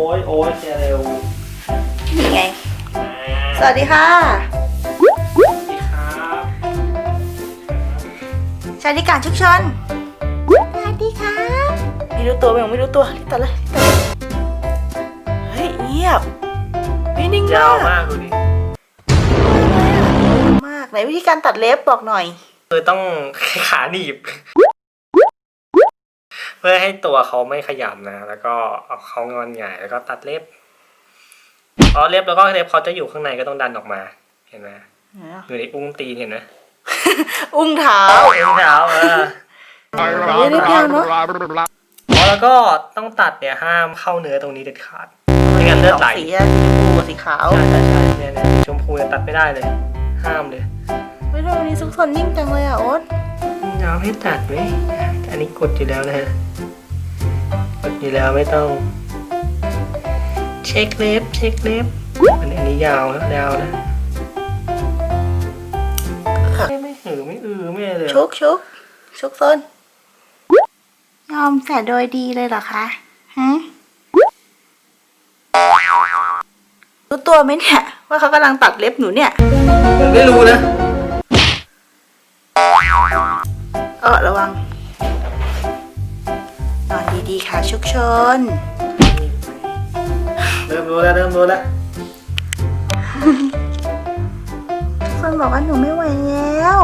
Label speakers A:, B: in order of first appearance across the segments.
A: ยโอ้ยเร็ว
B: นี่ไงสวัสดีค่ะ
A: สวัสดีครับ
B: ชาดิการชุกชนสวัสดีค่ะไม่รู้ตัวไม่รู้ตัวรีบตัดเลยเฮ้ยเงียบไม่นิ่ง
A: ยาวมากดูดิ
B: มากไหนวิธีการตัดเล็บบอกหน่อย
A: คือต้องขาหนีบเพื่อให้ตัวเขาไม่ขยับนะแล้วก็เอาเขางอนหงายแล้วก็ตัดเล็บพอเล็บแล้วก็เล็บเขาจะอยู่ข้างในก็ต้องดันออกมาเห็นไหมอยู่ในอุ้งตีนเห็นไหม
B: อุ้งเท้านิดเดียวเนาะ
A: แล้วก็ต้องตัดเนี่ยห้ามเข้าเนื้อตรงนี้เด็ดขาดไม่งั้นเลือดไหล
B: สีชมพูกับสีขาว
A: ใช่เนี่ยชมพูเนี่ยตัดไม่ได้เลยห้ามเลย
B: ไม่รู้วันนี้ซุกซนนิ่งจังเลยอ่ะโอ๊ต
A: ยาวให้ตัดไหมอันนี้กดอยู่แล้วนะฮะกดอยู่แล้วไม่ต้องเช็คเล็บอันนี้ยาวนะไม่หือไม่เลย
B: ชุกซนยอมแต่โดยดีเลยเหรอคะฮะรู้ตัวไหมเนี่ยว่าเขากำลังตัดเล็บหนูเนี่ย
A: ผมไม่รู้นะ
B: ระวังนอนดีๆค่ะชุกชน
A: เริ่มรู้แล้วทุก
B: คนบอกว่าหนูไม่ไหวแล้ว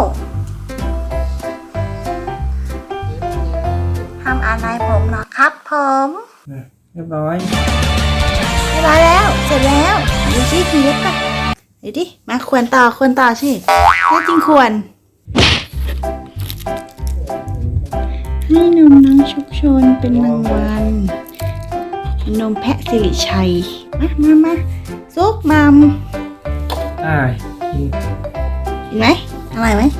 B: ห้ามอ่านลายผมนะครับผม
A: เรียบร้อย
B: แล้วเสร็จแล้วดูสิทีเล็บป่ะเดี๋ยวดิมาควรต่อสิแน่จริงควรให้นมน้องชุกชนเป็นรางวัลนมแพะสิริชัยมาซุกมัมกินไหมอร่อยไหม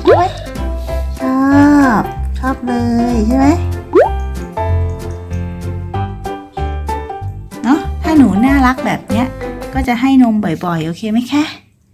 B: ชอบเลยใช่ไหมเนาะถ้าหนูน่ารักแบบเนี้ยก็จะให้นมบ่อยๆโอเคไหมคะ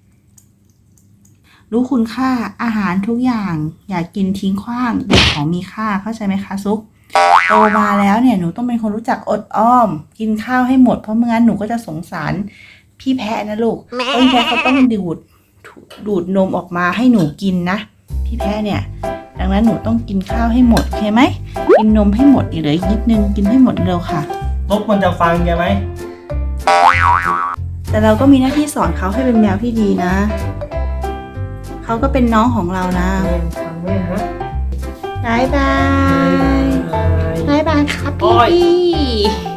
B: รู้คุณค่าอาหารทุกอย่างอย่ากินทิ้งขว้างเป็นของมีค่าเข้าใจไหมคะซุกโตมาแล้วเนี่ยหนูต้องเป็นคนรู้จักอดอ้อมกินข้าวให้หมดเพราะไม่งั้นหนูก็จะสงสารพี่แพะนะลูกพี่แพะเขาต้องดูดนมออกมาให้หนูกินนะพี่แพะเนี่ยดังนั้นหนูต้องกินข้าวให้หมดโอเคไหมกินนมให้หมดเหลืออีกนิดนึงกินให้หมดเร็วค่ะ
A: ลบมันจะฟังแกไหม
B: แต่เราก็มีหน้าที่สอนเขาให้เป็นแมวที่ดีนะเขาก็เป็นน้องของเรานะ
A: ฟังไหมฮะ
B: บายครับพี่